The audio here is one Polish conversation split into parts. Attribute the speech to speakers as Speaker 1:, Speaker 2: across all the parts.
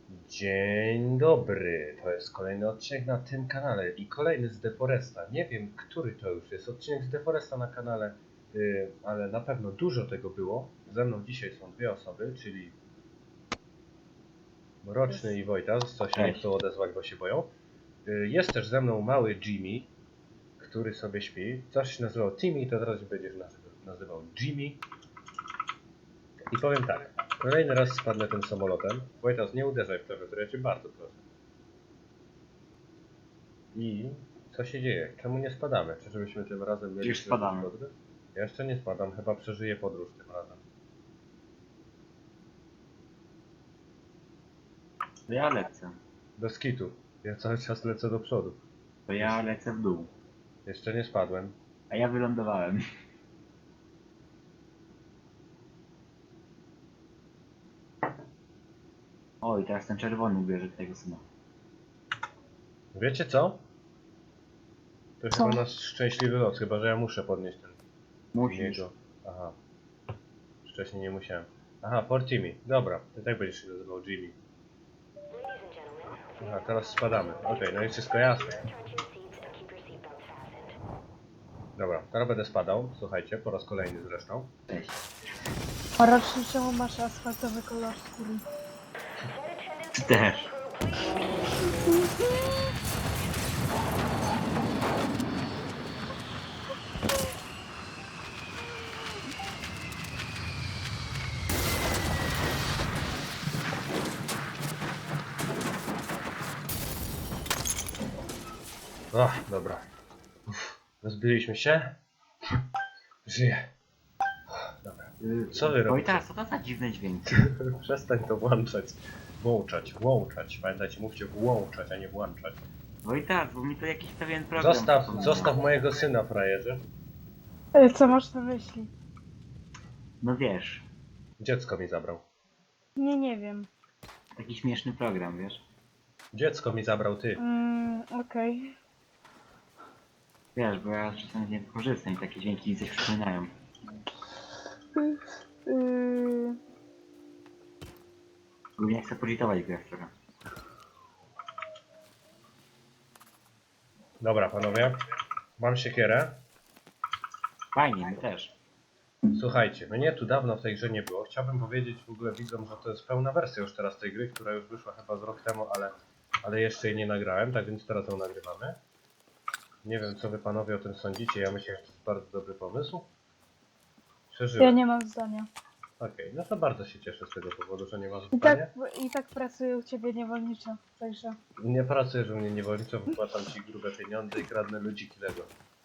Speaker 1: Dzień dobry, to jest kolejny odcinek na tym kanale i kolejny z Deforesta. Nie wiem, który to już jest odcinek z Deforesta na kanale, ale na pewno dużo tego było. Ze mną dzisiaj są dwie osoby, czyli Mroczny i Wojtas, co się nie chcą odezwać, bo się boją. Jest też ze mną mały Jimmy, który sobie śpi. Coś się nazywał Timmy, to teraz będziesz nazywał Jimmy. I powiem tak, kolejny raz spadnę tym samolotem. Wojtas, nie uderzaj w klawiaturę, ja cię bardzo proszę. I co się dzieje? Czemu nie spadamy? Czyżbyśmy tym razem mieli
Speaker 2: Już spadamy.
Speaker 1: podróż? Ja jeszcze nie spadam, chyba przeżyję podróż tym razem.
Speaker 2: To ja lecę.
Speaker 1: Bez kitu. Ja cały czas lecę do przodu.
Speaker 2: To ja lecę w dół.
Speaker 1: Jeszcze nie spadłem.
Speaker 2: A ja wylądowałem. O, i teraz ten czerwony ubierze tego syna.
Speaker 1: Wiecie co? To
Speaker 3: Co?
Speaker 1: chyba nasz szczęśliwy los, chyba że ja muszę podnieść ten
Speaker 2: Musisz.
Speaker 1: niego. Aha. Wcześniej nie musiałem. Aha, for Timmy. Dobra, ty tak będziesz się nazywał Jimmy. Aha, teraz spadamy. Okej, no i wszystko jasne. Dobra, teraz będę spadał. Słuchajcie, po raz kolejny zresztą.
Speaker 2: Cześć.
Speaker 3: A raczej czemu masz asfaltowy kolor skóry?
Speaker 2: Ty też.
Speaker 1: Ach, dobra. Rozbiliśmy się. Żyję. Dobra. Co wy robicie?
Speaker 2: Oj, teraz co to za dziwne dźwięki?
Speaker 1: Przestań to włączać. Włączać. Pamiętajcie, mówcie włączać, a nie włączać.
Speaker 2: Oj, tak, bo mi to jakiś pewien program.
Speaker 1: Zostaw mojego syna, frajerze.
Speaker 3: Co masz na myśli?
Speaker 2: No wiesz,
Speaker 1: Dziecko mi zabrał.
Speaker 3: Nie wiem.
Speaker 2: taki śmieszny program, wiesz?
Speaker 1: Dziecko mi zabrał, ty.
Speaker 3: Okej.
Speaker 2: Wiesz, bo ja czasem z niego korzystam i takie dźwięki mi coś przypominają. Głównie chcę poczytować grę trochę.
Speaker 1: Dobra, panowie. Mam siekierę.
Speaker 2: Fajnie, my też.
Speaker 1: Słuchajcie, mnie tu dawno w tej grze nie było. Chciałbym powiedzieć w ogóle widzom, że to jest pełna wersja już teraz tej gry, która już wyszła chyba z rok temu, ale jeszcze jej nie nagrałem, tak więc teraz ją nagrywamy. Nie wiem, co wy panowie o tym sądzicie. Ja myślę, że to jest bardzo dobry pomysł. Przeżyłem.
Speaker 3: Ja nie mam zdania.
Speaker 1: Okej, no to bardzo się cieszę z tego powodu, że nie masz
Speaker 3: I
Speaker 1: zdania.
Speaker 3: tak pracuję u ciebie niewolniczo, także...
Speaker 1: Nie pracujesz u mnie niewolniczo, wypłacam ci grube pieniądze i kradnę ludziki Lego.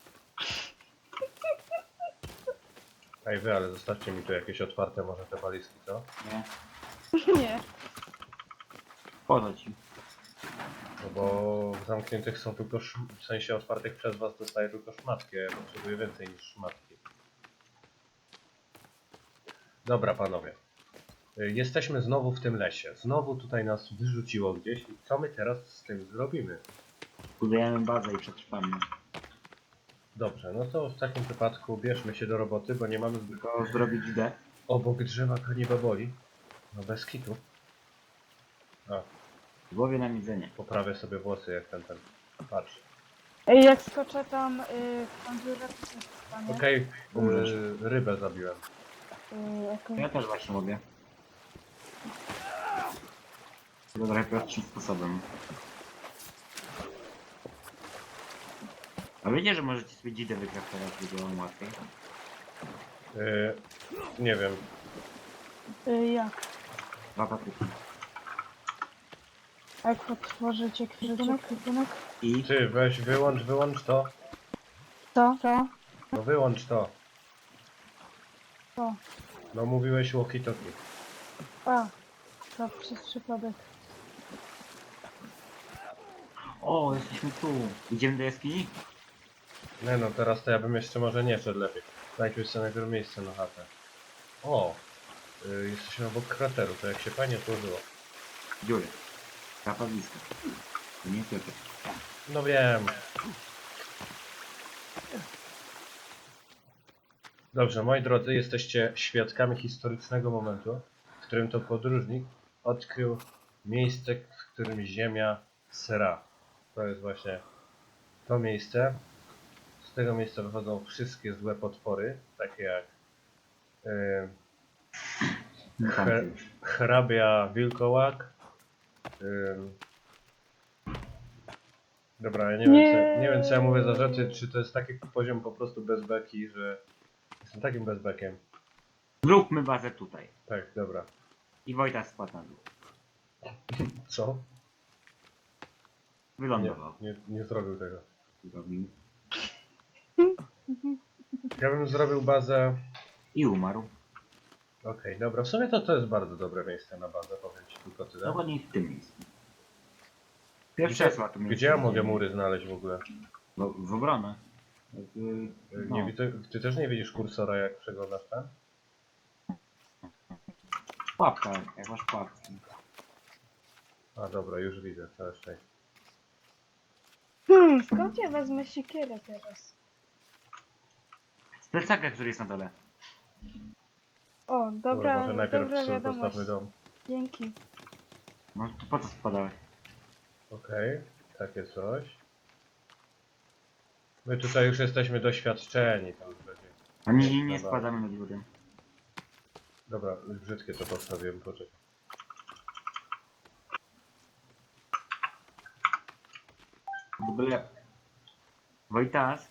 Speaker 1: Ej wy, ale zostawcie mi tu jakieś otwarte może te walizki, co?
Speaker 2: Nie?
Speaker 3: Nie.
Speaker 2: Po co ci?
Speaker 1: No bo w zamkniętych są tylko w sensie otwartych przez was dostaję tylko szmatki, a ja potrzebuję więcej niż szmatki. Dobra panowie. Jesteśmy znowu w tym lesie. Znowu tutaj nas wyrzuciło gdzieś i co my teraz z tym zrobimy?
Speaker 2: Budujemy bazę i przetrwamy.
Speaker 1: Dobrze, no to w takim wypadku bierzmy się do roboty, bo nie mamy zbyt...
Speaker 2: Tylko zrobić D.
Speaker 1: Obok drzewa kanibaboli. No bez kitu. A,
Speaker 2: W głowie nam jedzenie.
Speaker 1: poprawię sobie włosy jak ten. Patrz.
Speaker 3: Ej, jak skoczę tam w tą dziurę, to się stanie.
Speaker 1: Okej,
Speaker 2: Umrzesz.
Speaker 1: rybę zabiłem.
Speaker 2: Ja też właśnie mogę. Tylko trochę prostszym sposobem. A wiecie, że możecie sobie dzidę wykraftować, by było łatwiej?
Speaker 1: Nie wiem.
Speaker 3: Jak?
Speaker 2: Dwa papryki.
Speaker 3: Jak otworzycie kwiatunek?
Speaker 2: I
Speaker 1: Ty, weź, wyłącz to.
Speaker 3: Co?
Speaker 1: No wyłącz to.
Speaker 3: Co?
Speaker 1: No mówiłeś walkie-talkie.
Speaker 3: A, to przez przypadek.
Speaker 2: o, jesteśmy tu. Idziemy do jaskini?
Speaker 1: Nie no, teraz to ja bym jeszcze może nie szedł lepiej. Najpierw sobie najpierw miejsce na chatę. O! Jesteśmy obok krateru, to jak się fajnie złożyło.
Speaker 2: Dziury. Kapawiska. To nie tylko.
Speaker 1: No wiem. Dobrze, moi drodzy, jesteście świadkami historycznego momentu, w którym to podróżnik odkrył miejsce, w którym ziemia sra. To jest właśnie to miejsce. Z tego miejsca wychodzą wszystkie złe potwory, takie jak hrabia wilkołak. Dobra, ja nie wiem co ja mówię za rzeczy, czy to jest taki poziom po prostu bez beki, że jestem takim bezbekiem.
Speaker 2: Zróbmy bazę tutaj.
Speaker 1: Tak, dobra.
Speaker 2: I Wojta spadł na dół.
Speaker 1: Co?
Speaker 2: Wylądował.
Speaker 1: Nie zrobił tego.
Speaker 2: Zrobił.
Speaker 1: Ja bym zrobił bazę.
Speaker 2: I umarł.
Speaker 1: Okej, dobra, w sumie to jest bardzo dobre miejsce na bazę, powiem ci tylko tyle.
Speaker 2: Dokładnie w tym miejscu. Pierwsze
Speaker 1: Gdzie,
Speaker 2: esła tu miejsce.
Speaker 1: gdzie ja mogę mury znaleźć w ogóle?
Speaker 2: No, w obronę. No.
Speaker 1: Nie widzę, ty też nie widzisz kursora jak przeglądasz ten?
Speaker 2: Pułapka, jak masz pułapki.
Speaker 1: A dobra, już widzę, całe szczęście.
Speaker 3: Skąd ja wezmę siekierę teraz?
Speaker 2: Z plecaka, który jest na dole.
Speaker 3: O, dobra,
Speaker 1: Może najpierw
Speaker 3: dobra
Speaker 1: sobie
Speaker 3: wiadomość.
Speaker 1: postawmy dom.
Speaker 3: Dzięki.
Speaker 2: No to po co spadałeś?
Speaker 1: Okej, takie coś. My tutaj już jesteśmy doświadczeni, to już będzie.
Speaker 2: A nie
Speaker 1: Dobra.
Speaker 2: spadamy nad górę.
Speaker 1: Dobra, brzydkie to postawiłem, poczekaj.
Speaker 2: W ogóle... Wojtas,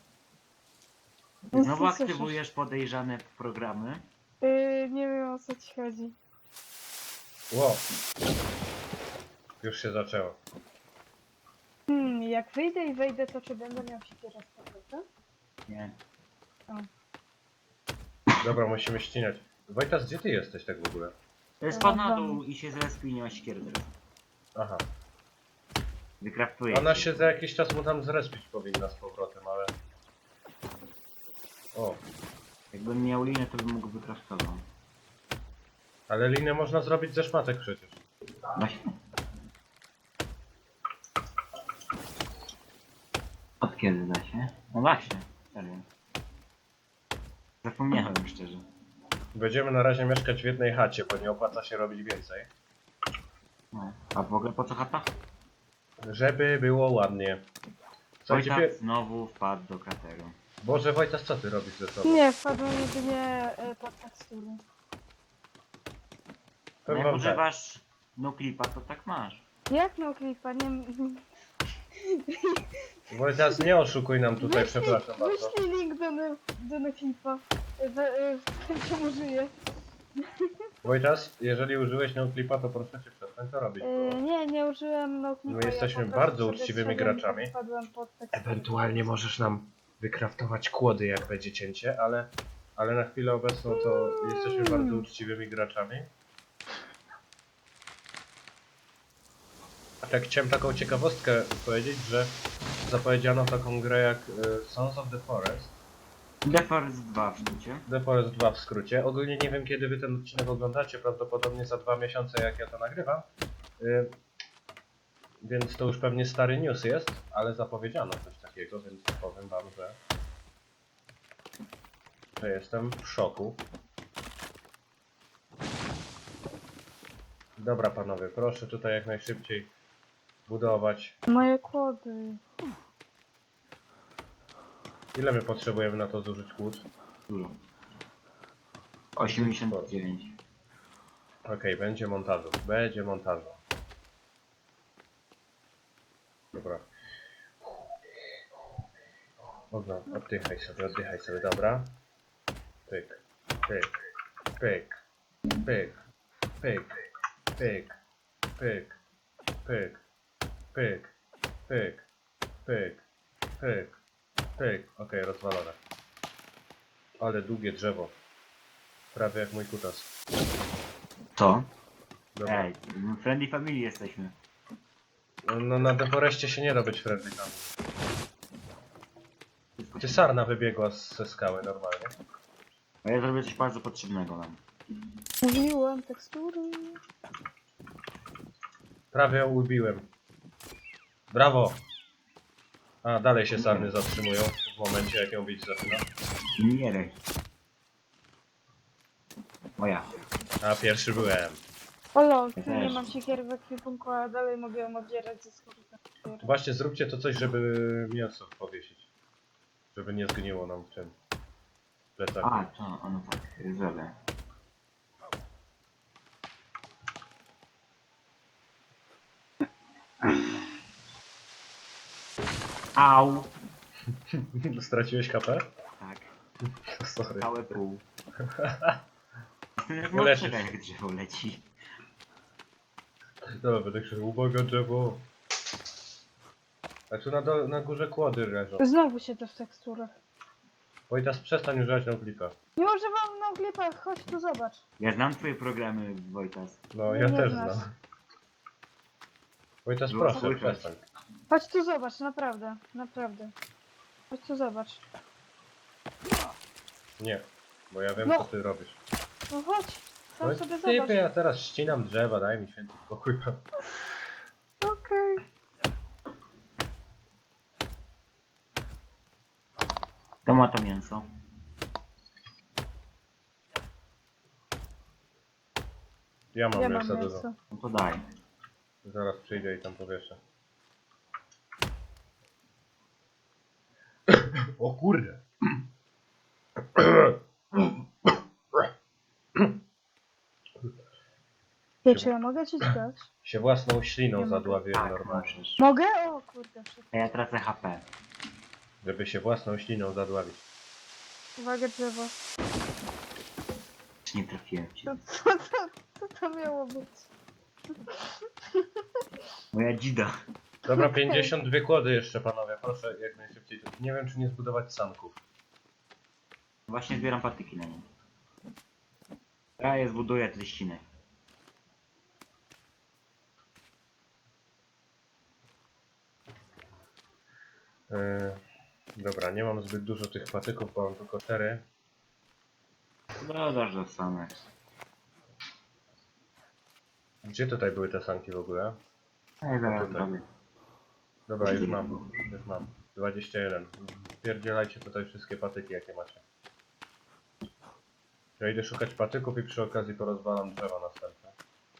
Speaker 3: No,
Speaker 2: znowu
Speaker 3: co słyszysz?
Speaker 2: aktywujesz podejrzane programy.
Speaker 3: Nie wiem o co ci chodzi.
Speaker 1: Wow. Już się zaczęło.
Speaker 3: Jak wyjdę i wejdę, to czy będę miał siekierę z powrotem?
Speaker 2: Nie.
Speaker 1: Dobra, musimy ścinać. Wojtas, gdzie ty jesteś tak w ogóle?
Speaker 2: Spadł na dół i się zrespił i nie ma siekiery teraz.
Speaker 1: Aha.
Speaker 2: Wykraftuje.
Speaker 1: Ona się za jakiś czas mu tam zrespić powinna z powrotem, ale... O,
Speaker 2: Jakbym miał linię, to bym mógł wykraftować.
Speaker 1: ale linę można zrobić ze szmatek przecież.
Speaker 2: Właśnie. Od kiedy da się? No właśnie, serio. Zapomniałem szczerze.
Speaker 1: Będziemy na razie mieszkać w jednej chacie, bo nie opłaca się robić więcej.
Speaker 2: No. A w ogóle po co chata?
Speaker 1: Żeby było ładnie. Słuchajcie,
Speaker 2: Wojtak znowu wpadł do krateru.
Speaker 1: Boże Wojtas, co ty robisz ze sobą?
Speaker 3: Nie, wpadłem jedynie pod tekstury.
Speaker 2: No
Speaker 1: Powiem
Speaker 2: jak
Speaker 1: wam tak.
Speaker 2: używasz noclipa, to tak masz.
Speaker 3: Jak no klipa? Nie...
Speaker 1: Wojtas, nie oszukuj nam tutaj, przepraszam bardzo.
Speaker 3: Wyślij link do noclipa. Czemu żyję?
Speaker 1: Wojtas, jeżeli użyłeś noclipa, to proszę cię przestań to robić. Bo...
Speaker 3: Nie użyłem noclipa.
Speaker 1: My jesteśmy
Speaker 3: po prostu
Speaker 1: bardzo
Speaker 3: sobie
Speaker 1: uczciwymi
Speaker 3: zszedłem i
Speaker 1: graczami.
Speaker 3: Wpadłem pod tekstury.
Speaker 1: Ewentualnie możesz nam wykraftować kłody, jak będzie cięcie, ale na chwilę obecną to jesteśmy bardzo uczciwymi graczami. A tak chciałem taką ciekawostkę powiedzieć, że zapowiedziano taką grę jak Sons of the Forest.
Speaker 2: The Forest 2 w sztucie.
Speaker 1: The Forest 2 w skrócie. Ogólnie nie wiem kiedy wy ten odcinek oglądacie, prawdopodobnie za 2 miesiące jak ja to nagrywam. Więc to już pewnie stary news jest, ale zapowiedziano coś takiego, więc powiem wam, że jestem w szoku. Dobra panowie, proszę tutaj jak najszybciej budować.
Speaker 3: Moje kłody.
Speaker 1: Ile my potrzebujemy na to zużyć kłód?
Speaker 2: Dużo. 89.
Speaker 1: Okej, będzie montażu, będzie montażu. Dobra. Dobra, oddychaj sobie, dobra. Pyk, pyk, pyk, pyk, pyk, pyk, pyk, pyk, pyk, pyk, pyk, pyk, pyk. Okej, rozwalone. Ale długie drzewo. Prawie jak mój kutas.
Speaker 2: Co?
Speaker 1: Dobra.
Speaker 2: Ej, friendly family jesteśmy.
Speaker 1: No na deforeście się nie da być friendly tam. Ty sarna wybiegła ze skały normalnie.
Speaker 2: A ja zrobię coś bardzo potrzebnego nam.
Speaker 3: Mówiłem tekstury.
Speaker 1: Prawie ją ubiłem. Brawo! A, dalej się sarny zatrzymują w momencie jak ją bić zaczyna.
Speaker 2: Nie rej. Moja.
Speaker 1: A, pierwszy byłem.
Speaker 3: O lol,
Speaker 2: Ja
Speaker 3: ty nie
Speaker 2: też.
Speaker 3: mam siekiery w ekwipunku, a dalej mogę ją oddzierać ze skórka.
Speaker 1: Właśnie zróbcie to coś, żeby mięso powiesić. Żeby nie zgniło nam w tym plecaku.
Speaker 2: A, to ono tak, zrobię. Au!
Speaker 1: Straciłeś HP?
Speaker 2: Tak,
Speaker 1: Sorry.
Speaker 2: całe pół. Jestem jak
Speaker 1: Nie leczysz.
Speaker 2: mocno, jak drzewo leci.
Speaker 1: Dobra, będę krzyczał, uwaga drzewo. A tu na górze kłody leżą.
Speaker 3: Znowu się to w teksturach.
Speaker 1: Wojtas, przestań używać noclipa.
Speaker 3: Nie używam na klipach, chodź tu zobacz.
Speaker 2: Ja znam twoje programy, Wojtas.
Speaker 1: No,
Speaker 3: Nie,
Speaker 1: ja
Speaker 3: nie
Speaker 1: też
Speaker 3: znasz.
Speaker 1: znam. Wojtas,
Speaker 2: Było
Speaker 1: proszę,
Speaker 2: słychać.
Speaker 1: przestań.
Speaker 3: Chodź tu zobacz, naprawdę, naprawdę. Chodź tu zobacz.
Speaker 1: Nie, bo ja wiem,
Speaker 3: No.
Speaker 1: co ty robisz.
Speaker 3: No chodź, sam
Speaker 1: No,
Speaker 3: sobie
Speaker 1: typy,
Speaker 3: zobacz.
Speaker 1: ja teraz ścinam drzewa, daj mi święty spokój.
Speaker 3: Okej.
Speaker 2: To ma to mięso.
Speaker 1: Ja mam
Speaker 3: Ja
Speaker 1: mięsa
Speaker 3: mam
Speaker 1: dużo.
Speaker 3: mięso.
Speaker 2: No to daj.
Speaker 1: Zaraz przyjdę i tam powieszę. O kurde!
Speaker 3: Wie, czy ja mogę ci dać?
Speaker 1: Się własną śliną
Speaker 3: Nie mogę.
Speaker 1: zadławiłem
Speaker 2: Tak,
Speaker 1: normalnie.
Speaker 2: możesz.
Speaker 3: Mogę? O kurde, wszystko.
Speaker 2: A ja tracę HP.
Speaker 1: Żeby się własną śliną zadławić.
Speaker 3: Uwaga drzewo.
Speaker 2: Nie trafiłem cię.
Speaker 3: Co to miało być?
Speaker 2: Moja dzida.
Speaker 1: Dobra, 52 kłody jeszcze panowie, proszę jak najszybciej. Nie wiem czy nie zbudować sanków.
Speaker 2: Właśnie zbieram patyki na nie. Ja je zbuduję, ty ścinę.
Speaker 1: Dobra, nie mam zbyt dużo tych patyków, bo mam tylko 4.
Speaker 2: Dodasz do samych.
Speaker 1: Gdzie tutaj były te sanki w ogóle?
Speaker 2: Ja zaraz
Speaker 1: Tutaj.
Speaker 2: zrobię.
Speaker 1: Dobra, już mam. Już mam. 21. Pierdzielajcie tutaj wszystkie patyki jakie macie. Ja idę szukać patyków i przy okazji porozwalam drzewa następne.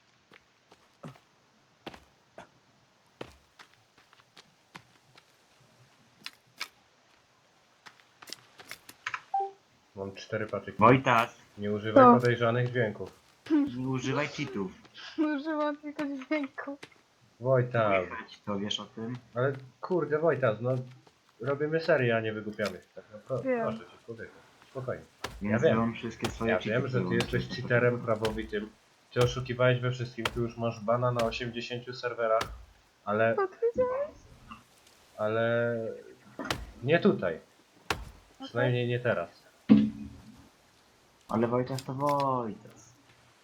Speaker 1: Mam 4 patyki.
Speaker 2: Wojtas,
Speaker 1: Nie używaj
Speaker 3: Co?
Speaker 1: podejrzanych dźwięków.
Speaker 2: nie używaj cheatów.
Speaker 3: Używam tylko dźwięku.
Speaker 1: Wojtas.
Speaker 2: Słychać to, wiesz o tym?
Speaker 1: Ale kurde Wojtas, no robimy serię, a nie wygłupiamy się. Tak, no,
Speaker 3: Wiem.
Speaker 1: proszę cię, człowieku. Spokojnie.
Speaker 2: Więc
Speaker 1: wiem.
Speaker 2: mam wszystkie swoje
Speaker 1: Ja
Speaker 2: cheaty.
Speaker 1: wiem, że ty
Speaker 2: wyłączyć.
Speaker 1: jesteś cheaterem prawowitym. Ty oszukiwałeś we wszystkim, tu już masz bana na 80 serwerach, ale nie tutaj. Przynajmniej nie teraz.
Speaker 2: Ale Wojtas to Wojtas.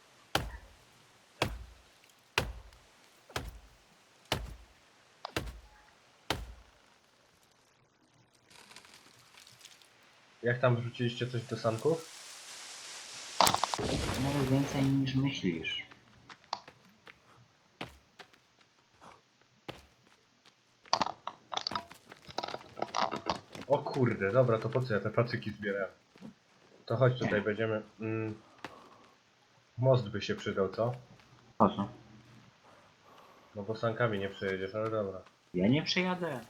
Speaker 1: Jak tam wrzuciliście coś do sanków?
Speaker 2: Nawet więcej niż myślisz.
Speaker 1: O kurde, dobra, to po co ja te pacyki zbierałem? To chodź tutaj, będziemy... most by się przydał, co?
Speaker 2: Po co?
Speaker 1: No bo sankami nie przejedziesz, ale dobra.
Speaker 2: Ja nie przyjadę.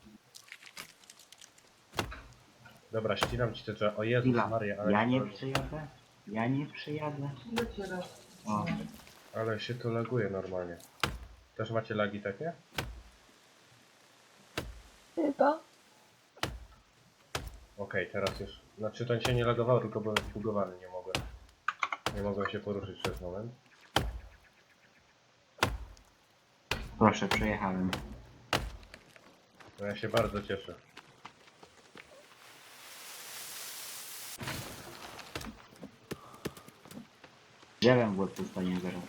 Speaker 1: Dobra, ścinam ci te drzewa. O Jezus
Speaker 2: Chwila.
Speaker 1: Maria, ale,
Speaker 2: Ja nie przyjadę. Ja nie przyjadę. O,
Speaker 1: ale się to laguje normalnie. Też macie lagi takie?
Speaker 3: Chyba.
Speaker 1: Okej, teraz już. Znaczy to się nie lagowało, tylko byłem zbugowany, nie mogłem. Nie mogłem się poruszyć przez moment.
Speaker 2: proszę, przejechałem.
Speaker 1: No ja się bardzo cieszę.
Speaker 2: Drzewem w łeb dostanie zaraz.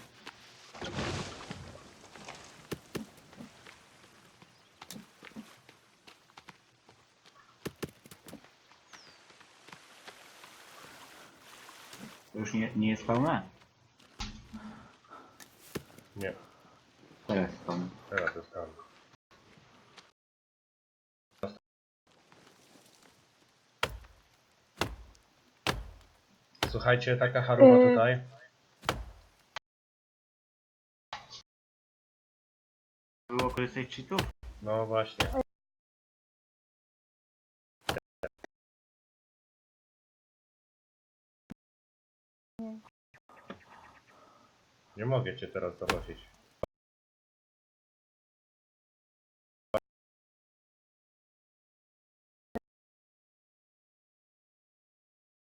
Speaker 2: To już nie jest pełne?
Speaker 1: Nie,
Speaker 2: Teraz jest pełne.
Speaker 1: teraz dostałem. Słuchajcie, taka charuba tutaj.
Speaker 2: Było korzystać z cheatów?
Speaker 1: No właśnie. Nie mogę cię teraz zobaczyć.